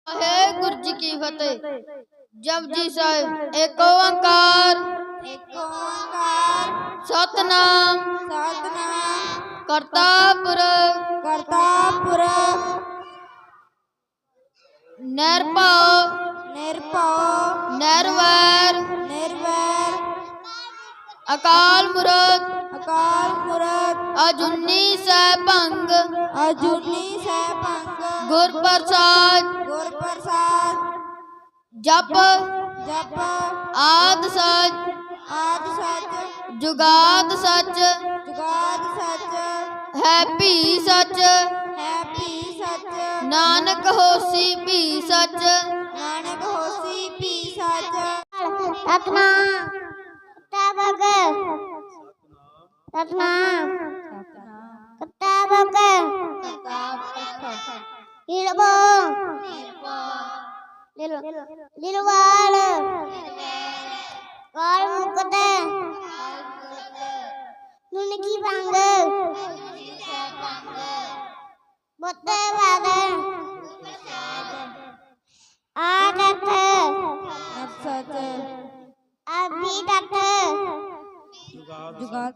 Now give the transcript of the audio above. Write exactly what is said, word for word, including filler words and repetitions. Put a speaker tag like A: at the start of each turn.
A: है गुरु जी की फतेह। जप जी साहिब। एक ओंकार
B: एक ओंकार
A: सतनाम
B: सतनाम
A: करता पुरख
B: करता पुरख
A: निरभव
B: निरभव
A: निर्वैर
B: निर्वैर
A: अकाल मूरत
B: अकाल मूरत
A: अजूनी सैभंग
B: अजूनी सैभंग
A: गुर प्रसाद
B: गुर प्रसाद
A: जप
B: जप
A: आद सच
B: आदि सच
A: जुगाद सच
B: जुगाद सच
A: है भी सच
B: है भी सच
A: नानक होसी भी सच
B: नानक होसी भी सच।
C: सतनाम किताबक सतनाम किताबक हिरबो लिलवाल काल मुकत नुनकी भंग बोते वाद आदत
B: सच
C: अभी तक
B: जुगाद